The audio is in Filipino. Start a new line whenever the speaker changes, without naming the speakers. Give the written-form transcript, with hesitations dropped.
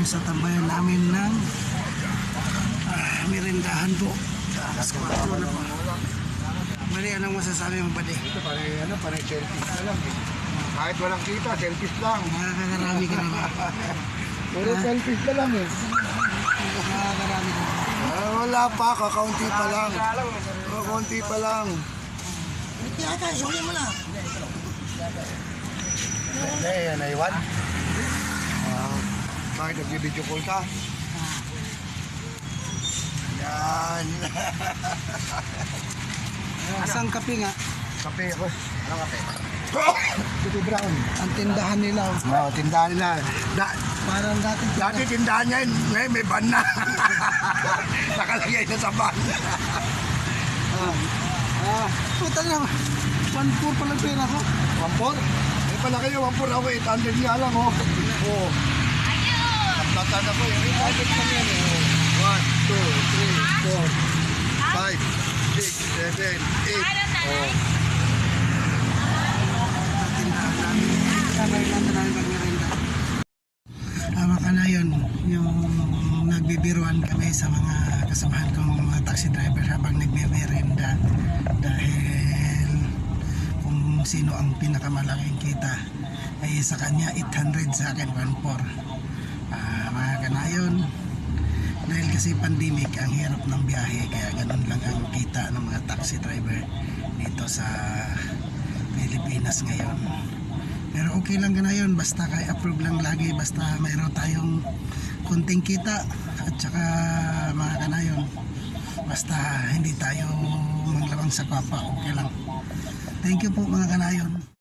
sa tambayan namin ng merindahan po. Alas 4 na po. Mali, anong masasabi mo, buddy?
Ito pare selfish na lang eh. Kahit walang kita, selfish lang.
Nakakarami ka na ba?
Puro selfish na lang eh.
Nakakarami ka na ba?
Wala pa, kakaunti pa lang. Kakaunti pa lang.
Kaya tayo, suli mo na.
Hindi, naiwan. Bakit nag-video call ka? Yan.
Asang kape nga?
Kape ako. Anong kape? Kape brown.
Ang tindahan nila.
Oo, tindahan nila.
Parang
Dati tindahan niya, ngayon may ban na. Nakalagay na sa ban.
Puta na. 1-4 pala pera ko.
1-4? Eh pala kayo, 1-4 ako, 800 nga lang oh. Oo. Tatlatan ako, 800 lang yan eh. 1, 2, 3, 4, 5, 6, 7, 8. Oh.
Tindahan namin. Sabay lang na namin pag-merenda. Ka na yun, yung nagbibiruan kami sa mga kasamahan kong mga taxi driver habang nagme-merenda dahil kung sino ang pinakamalaking kita ay sa kanya 800, sa akin 1.4. Mga kanayon, dahil kasi pandemic, ang hirap ng biyahe, kaya ganun lang ang kita ng mga taxi driver dito sa Pilipinas ngayon. Pero okay lang ganayon, basta kay approve lang lagi, basta mayroon tayong kunting kita at saka mga kanayon, basta hindi tayo manglawang sa papa, okay lang. Thank you po mga kanayon.